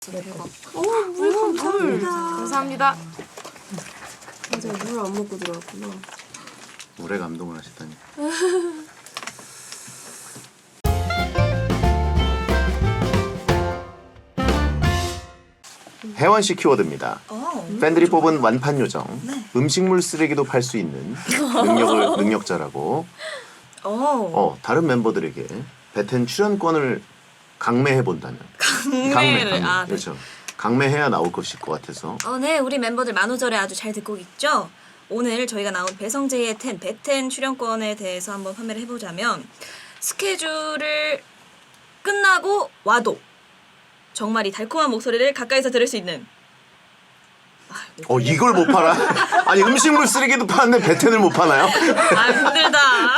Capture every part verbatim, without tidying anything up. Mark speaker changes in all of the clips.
Speaker 1: 대박.
Speaker 2: 오, 물 감사합니다.
Speaker 1: 감사합니다.
Speaker 2: 맞아요, 물 안 먹고 들어왔구나.
Speaker 3: 물에 감동을 하셨다니. 혜원 씨 키워드입니다.
Speaker 4: 어.
Speaker 3: 팬들이 뽑은 완판 요정.
Speaker 4: 네.
Speaker 3: 음식물 쓰레기도 팔 수 있는 능력을 능력자라고.
Speaker 4: 어.
Speaker 3: 어 다른 멤버들에게 배텐 출연권을 강매해 본다면.
Speaker 4: 강매를 아, 네.
Speaker 3: 그렇죠. 강매해야 나올 것일 것 같아서.
Speaker 4: 어, 네, 우리 멤버들 만우절에 아주 잘 듣고 있죠? 오늘 저희가 나온 배성재의 텐, 배텐 출연권에 대해서 한번 판매를 해보자면 스케줄을 끝나고 와도 정말 이 달콤한 목소리를 가까이서 들을 수 있는
Speaker 3: 어 이걸 못 팔아? 아니 음식물 쓰레기도 파는데 배텐을 못 파나요?
Speaker 4: 아 힘들다.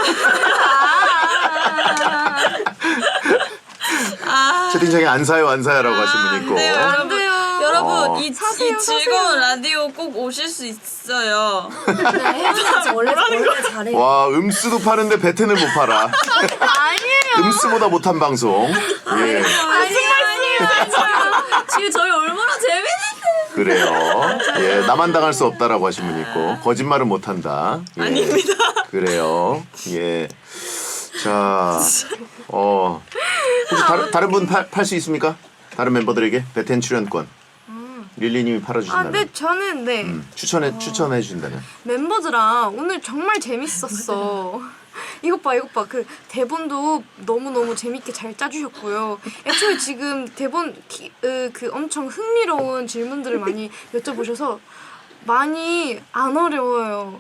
Speaker 4: 아,
Speaker 3: 채팅창에 안 사요 안 사요라고 하신 분 있고.
Speaker 4: 네, 여러분,
Speaker 1: 돼요.
Speaker 4: 여러분
Speaker 3: 어.
Speaker 4: 이,
Speaker 1: 사세요,
Speaker 4: 이 즐거운 라디오 꼭 오실 수 있어요.
Speaker 2: 네, 혜진아 원래 원래 잘해.
Speaker 3: 와 음수도 파는데 배텐을 못 팔아.
Speaker 1: 아니에요.
Speaker 3: 음수보다 못한 방송. 예.
Speaker 4: 지금 저희 얼마나 재밌는데.
Speaker 3: 그래요. 예, 나만 당할 수 없다라고 하신 분 있고 거짓말은 못한다. 예.
Speaker 4: 아닙니다.
Speaker 3: 그래요. 예. 자, 어 혹시 다른 다른 분 팔 수 있습니까? 다른 멤버들에게 배텐 출연권. 릴리님이
Speaker 1: 아,
Speaker 3: 팔아주신다면.
Speaker 1: 네, 저는 네
Speaker 3: 음, 추천해 추천해 주신다면.
Speaker 1: 멤버들랑 오늘 정말 재밌었어. 이것 봐, 이것 봐. 그 대본도 너무 너무 재밌게 잘 짜주셨고요. 애초에 지금 대본 기, 으, 그 엄청 흥미로운 질문들을 많이 여쭤보셔서 많이 안 어려워요.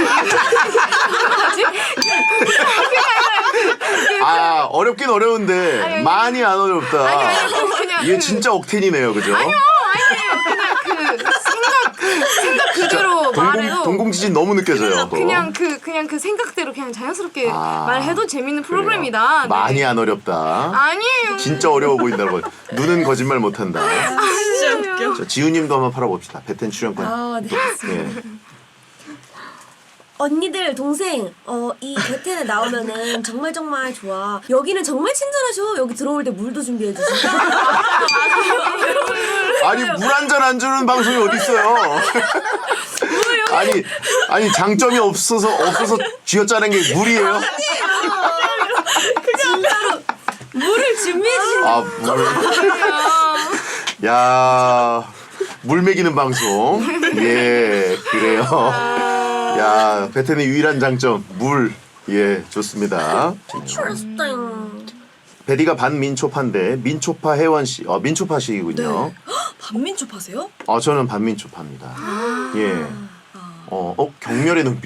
Speaker 3: 아 어렵긴 어려운데
Speaker 1: 아니, 아니.
Speaker 3: 많이 안 어렵다.
Speaker 1: 아니 아니 그냥
Speaker 3: 이게
Speaker 1: 그,
Speaker 3: 진짜 억텐이네요, 그죠?
Speaker 1: 아니요 그냥 그 생각 그 생각 그대로 말해도
Speaker 3: 동공 동공지진 너무 느껴져요. 그거.
Speaker 1: 그냥 그 그냥 그 생각대로 그냥 자연스럽게
Speaker 3: 아,
Speaker 1: 말해도 재밌는
Speaker 3: 그래요.
Speaker 1: 프로그램이다. 네.
Speaker 3: 많이 안 어렵다.
Speaker 1: 아니에요.
Speaker 3: 진짜 어려워 보인다고. 눈은 거짓말 못한다.
Speaker 4: 진짜 웃겨.
Speaker 3: 자, 지우님도 한번 팔아봅시다. 배텐 출연권.
Speaker 2: 아, 네.
Speaker 3: 예.
Speaker 2: 언니들 동생 어 이 배텐에 나오면은 정말 정말 좋아. 여기는 정말 친절하셔. 여기 들어올 때 물도 준비해 주시고.
Speaker 3: 아니 물 한 잔 안 주는 방송이 어디 있어요? 아니 아니 장점이 없어서 없어서 쥐어짜는 게 물이에요?
Speaker 2: 물을 준비해 주시는.
Speaker 3: 아 물. 야. 물 먹이는 방송. 예, 그래요. 야, 배텐의 유일한 장점, 물. 예, 좋습니다.
Speaker 2: 트러스팅.
Speaker 3: 베디가 반민초파인데, 민초파 혜원씨, 어, 민초파식이군요.
Speaker 4: 반민초파세요?
Speaker 3: 어, 저는 반민초파입니다. 예. 어, 어, 경멸의 눈빛.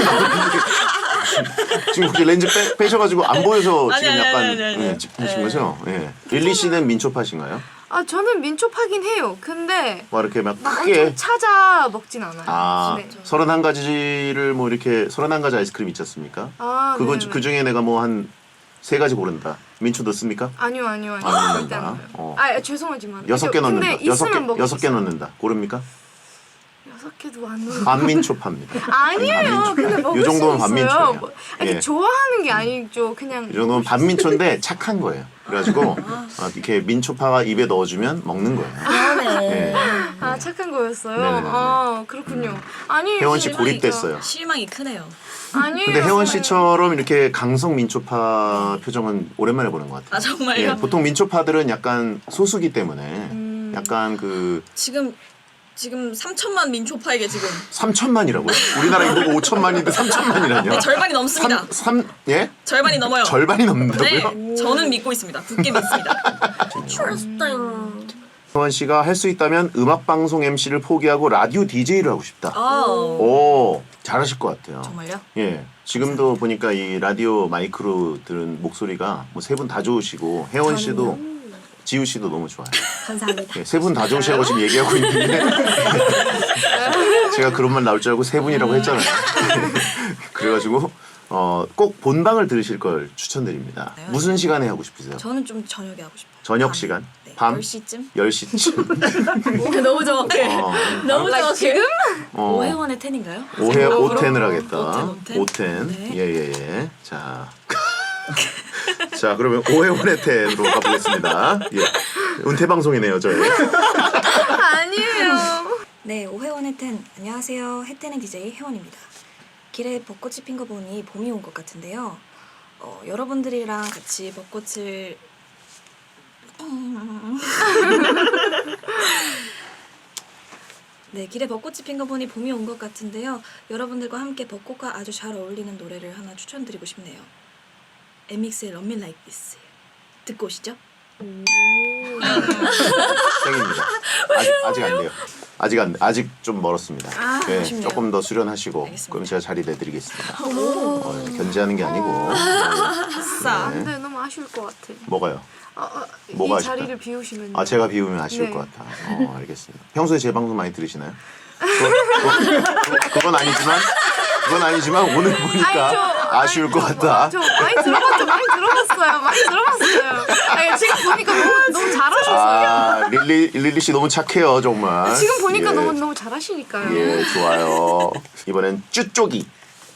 Speaker 3: 지금 혹시 렌즈 빼, 빼셔가지고 안 보여서
Speaker 4: 아니,
Speaker 3: 지금
Speaker 4: 아니,
Speaker 3: 약간
Speaker 4: 아니, 아니, 아니.
Speaker 3: 예, 짚으신 거죠? 예. 릴리 씨는 민초파신가요?
Speaker 1: 아 저는 민초파긴 해요. 근데
Speaker 3: 뭐 이렇게 막
Speaker 1: 막
Speaker 3: 크게.
Speaker 1: 엄청 찾아 먹진 않아요.
Speaker 3: 아,
Speaker 1: 네.
Speaker 3: 서른한 가지를 뭐 이렇게 서른한 가지 아이스크림 있지 않습니까?
Speaker 1: 아,
Speaker 3: 그거
Speaker 1: 네네.
Speaker 3: 그 중에 내가 뭐 한 세 가지 고른다. 민초 넣습니까?
Speaker 1: 아니요 아니요 아니요.
Speaker 3: 안
Speaker 1: 절대
Speaker 3: 넣는다.
Speaker 1: 안 넣어요.
Speaker 3: 어.
Speaker 1: 아 죄송하지만.
Speaker 3: 여섯 개
Speaker 1: 근데
Speaker 3: 넣는다. 여섯 개
Speaker 1: 있으면 먹을
Speaker 3: 여섯
Speaker 1: 수
Speaker 3: 개
Speaker 1: 있어요.
Speaker 3: 넣는다. 고릅니까?
Speaker 1: 여섯 개도 안 넣어요.
Speaker 3: 반민초파입니다.
Speaker 1: 아니에요. 근데 먹을
Speaker 3: 이 정도면
Speaker 1: 수 있어요.
Speaker 3: 반민초예요.
Speaker 1: 뭐, 아니,
Speaker 3: 예.
Speaker 1: 좋아하는 게 아니죠. 그냥.
Speaker 3: 이 정도면 반민초인데 착한 거예요. 그래가지고 아, 이렇게 민초파가 입에 넣어주면 먹는 거예요.
Speaker 2: 그러네.
Speaker 3: 예.
Speaker 1: 아 착한 거였어요.
Speaker 3: 네네네.
Speaker 1: 아 그렇군요. 아니
Speaker 3: 혜원 씨
Speaker 1: 실망이죠.
Speaker 3: 고립됐어요.
Speaker 4: 실망이 크네요.
Speaker 1: 아니에요.
Speaker 3: 근데 혜원 씨처럼 이렇게 강성 민초파 표정은 오랜만에 보는 것 같아요.
Speaker 4: 아 정말요?
Speaker 3: 예, 보통 민초파들은 약간 소수기 때문에
Speaker 1: 음.
Speaker 3: 약간 그
Speaker 4: 지금 지금 삼천만 민초파에게 지금
Speaker 3: 삼천만이라고요? 우리나라 인구가 오천만인데 삼천만이라뇨?
Speaker 4: 네, 절반이 넘습니다.
Speaker 3: 삼, 삼, 예?
Speaker 4: 절반이 넘어요.
Speaker 3: 절반이 넘는다고요?
Speaker 4: 네, 저는 믿고 있습니다. 굳게 믿습니다.
Speaker 2: 트러스팅.
Speaker 3: 혜원 씨가 할 수 있다면 음악 방송 엠씨를 포기하고 라디오 디제이를 하고 싶다.
Speaker 4: 아,
Speaker 3: 오, 잘하실 것 같아요.
Speaker 4: 정말요?
Speaker 3: 예. 지금도 보니까 이 라디오 마이크로 들은 목소리가 뭐 세 분 다 좋으시고 혜원 씨도 지우 씨도 너무 좋아요.
Speaker 2: 감사합니다.
Speaker 3: 예, 세 분 다 좋으시다고 지금 얘기하고 있는데 제가 그런 말 나올 줄 알고 세 분이라고 했잖아요. 그래가지고 어, 꼭 본방을 들으실 걸 추천드립니다.
Speaker 4: 네.
Speaker 3: 무슨 시간에 하고 싶으세요?
Speaker 4: 저는 좀 저녁에 하고 싶어요.
Speaker 3: 저녁
Speaker 4: 밤.
Speaker 3: 시간?
Speaker 4: 네,
Speaker 3: 밤?
Speaker 4: 열 시쯤?
Speaker 3: 열 시쯤?
Speaker 2: 너무 정확해.
Speaker 3: 어,
Speaker 2: 너무 정확해. 지금?
Speaker 3: 어,
Speaker 4: 오해원의 텐인가요?
Speaker 3: 오해 오텐을 하겠다.
Speaker 4: 오텐, 오텐.
Speaker 3: 오텐.
Speaker 4: 네.
Speaker 3: 예예예. 자. 자 그러면 오해원의 텐으로 가보겠습니다. 예. 은퇴 방송이네요, 저희.
Speaker 1: 아니에요.
Speaker 4: 네, 오회원 혜텐 안녕하세요. 혜텐의 디제이 혜원입니다. 길에 벚꽃이 핀 거 보니 봄이 온 것 같은데요. 어, 여러분들이랑 같이 벚꽃을 네, 길에 벚꽃이 핀 거 보니 봄이 온 것 같은데요. 여러분들과 함께 벚꽃과 아주 잘 어울리는 노래를 하나 추천드리고 싶네요. 엠믹스의 Love Me Like This 듣고 오시죠.
Speaker 3: 생입니다. 아직 아직 안 돼요. 아직 안 아직 좀 멀었습니다.
Speaker 4: 아,
Speaker 3: 예,
Speaker 4: 아쉽네요.
Speaker 3: 조금 더 수련하시고
Speaker 4: 알겠습니다.
Speaker 3: 그럼 제가 자리 내드리겠습니다. 어, 견제하는 게 아니고
Speaker 4: 아싸.
Speaker 3: 네.
Speaker 1: 근데 너무 아쉬울 것 같아.
Speaker 3: 뭐가요?
Speaker 1: 아, 아,
Speaker 3: 뭐가
Speaker 1: 이
Speaker 3: 아쉽다?
Speaker 1: 자리를 비우시면.
Speaker 3: 아 제가 비우면 아쉬울
Speaker 1: 네.
Speaker 3: 것 같아. 어 알겠습니다. 평소에 제 방송 많이 들으시나요? 그건, 그건, 그건 아니지만 그건 아니지만 오늘 보니까
Speaker 1: 아니, 저-
Speaker 3: 아쉬울 것 같다.
Speaker 1: 저 많이 들어봤죠. 많이 들어봤어요. 많이 들어봤어요. 아니, 지금 보니까 너무 너무 잘하셔서요.
Speaker 3: 아 릴리 릴리 씨 너무 착해요 정말.
Speaker 1: 지금 보니까
Speaker 3: 예.
Speaker 1: 너무 너무 잘하시니까요.
Speaker 3: 예 좋아요. 이번엔 쭈쪽이.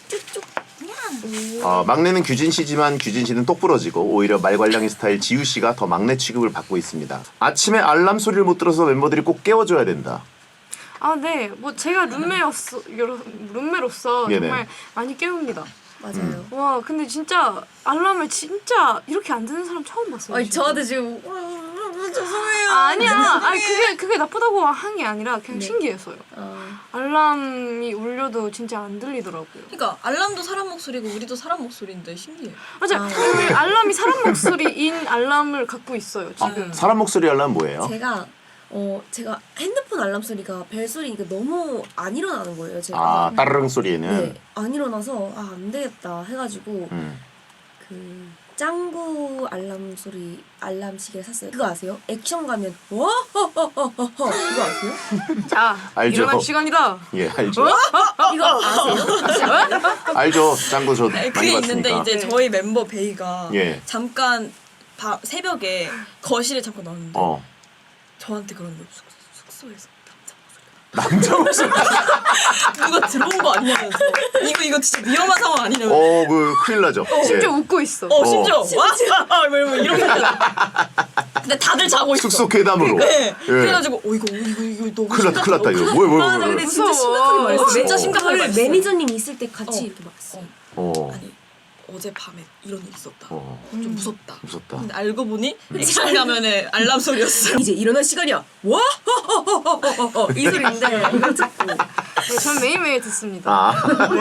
Speaker 3: 어, 막내는 규진 씨지만 규진 씨는 똑부러지고 오히려 말괄량이 스타일 지우 씨가 더 막내 취급을 받고 있습니다. 아침에 알람 소리를 못 들어서 멤버들이 꼭 깨워줘야 된다.
Speaker 1: 아, 네. 뭐 제가 룸메로서 여러 룸메로서
Speaker 3: 네네.
Speaker 1: 정말 많이 깨웁니다.
Speaker 2: 맞아요.
Speaker 1: 와, 근데 진짜 알람을 진짜 이렇게 안 듣는 사람 처음 봤어요.
Speaker 2: 아니
Speaker 1: 지금.
Speaker 2: 저한테 지금 죄송해요.
Speaker 1: 아, 아니야. 아니 그게 그게 나쁘다고 한 게 아니라 그냥 신기해서요.
Speaker 2: 아,
Speaker 1: 알람이 울려도 진짜 안 들리더라고요.
Speaker 4: 그러니까 알람도 사람 목소리고 우리도 사람 목소리인데 신기해.
Speaker 1: 맞아.
Speaker 2: 아.
Speaker 1: 그 알람이 사람 목소리인 알람을 갖고 있어요 지금.
Speaker 3: 사람 목소리 알람 뭐예요?
Speaker 2: 제가 어 제가 핸드폰 알람 소리가 벨 소리니까 너무 안 일어나는 거예요. 제가.
Speaker 3: 아 따르릉 소리에는.
Speaker 2: 네, 안 일어나서 아 안 되겠다 해가지고
Speaker 3: 음.
Speaker 2: 그 짱구 알람 소리 알람 시계를 샀어요. 그거 아세요? 액션 가면 와허허허허 그거 아세요?
Speaker 1: 자,
Speaker 3: 알죠.
Speaker 1: 일어날 시간이다.
Speaker 3: 예 알죠.
Speaker 2: 이거 아세요?
Speaker 3: 알죠. 짱구 저
Speaker 4: 아니,
Speaker 3: 많이
Speaker 4: 그게 있는데
Speaker 3: 봤으니까.
Speaker 4: 이제
Speaker 1: 네.
Speaker 4: 저희 멤버 베이가
Speaker 3: 예.
Speaker 4: 잠깐 바, 새벽에 거실에 잠깐 나왔는데
Speaker 3: 어.
Speaker 4: 저한테 그런 거 숙, 숙소에서 남자 목소리
Speaker 3: 남자 목소리.
Speaker 4: 누가 들어온 거 아니냐면서 이거 이거 진짜 위험한 상황 아니냐면서
Speaker 3: 어, 그 큰일 나죠.
Speaker 1: 심지어
Speaker 3: 예.
Speaker 1: 웃고 있어.
Speaker 4: 어 심지어 와 뭐 이런 거 근데 다들 자고 있어.
Speaker 3: 숙소 괴담으로.
Speaker 4: 네.
Speaker 3: 예.
Speaker 4: 그래가지고 어 이거 이거 이거 너무
Speaker 3: 큰일 났다, 큰일 났다 이거.
Speaker 4: 심각하다.
Speaker 3: 뭐야, 뭐야,
Speaker 2: 아, 나
Speaker 3: 뭐야.
Speaker 2: 근데
Speaker 3: 뭐야.
Speaker 2: 진짜
Speaker 1: 무서워.
Speaker 2: 심각하게 말했어.
Speaker 3: 어,
Speaker 4: 진짜 심각하게
Speaker 2: 그거를
Speaker 4: 말했어요.
Speaker 2: 매니저님 있을 때 같이
Speaker 4: 어.
Speaker 2: 이렇게 말했어.
Speaker 3: 어.
Speaker 4: 아니 어젯밤에 이런 일 있었다.
Speaker 3: 어.
Speaker 4: 좀 무섭다.
Speaker 3: 무섭다.
Speaker 4: 근데 알고 보니 액션 가면에 알람 소리였어.
Speaker 2: 이제 일어날 시간이야. 와 허허허허허 이 소리인데 이걸 듣고
Speaker 1: 네, 전 매일매일 듣습니다.
Speaker 3: 아.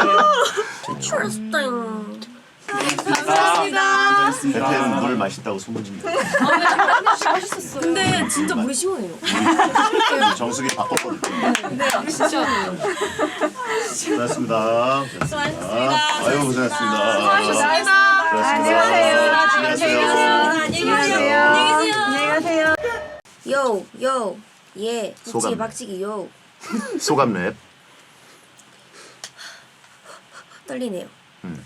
Speaker 2: 트러스팅.
Speaker 1: 감사합니다.
Speaker 3: 배트는 물 맛있다고 소문입니다.
Speaker 2: 근데 진짜 물이 시원해요.
Speaker 3: 정수기 바꿨거든요.
Speaker 2: 네, 진짜.
Speaker 3: 고생하셨습니다. 고생하셨습니다. 아유 고생하셨습니다.
Speaker 1: 수고하셨습니다.
Speaker 3: 안녕하세요.
Speaker 2: 안녕히 계세요. 안녕히 계세요. 요, 요, 예,
Speaker 3: 소감.
Speaker 2: 박치기, 박치기, 요.
Speaker 3: 소감 랩.
Speaker 2: 떨리네요.
Speaker 3: 음.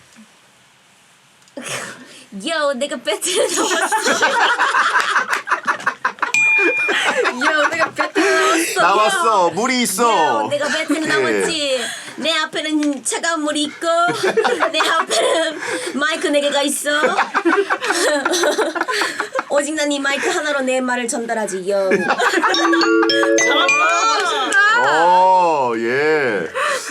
Speaker 2: 요, 내가 배틀에 나왔어. 요, 내가 배틀에 나왔어.
Speaker 3: 나왔어. 물이
Speaker 2: 요,
Speaker 3: 있어.
Speaker 2: 내가 배틀에
Speaker 3: 예.
Speaker 2: 나왔지. 내 앞에는 차가운 물이 있고 내 앞에는 마이크 네 개가 있어. 오직 난 이 마이크 하나로 내 말을 전달하지. 요.
Speaker 3: 어, 예.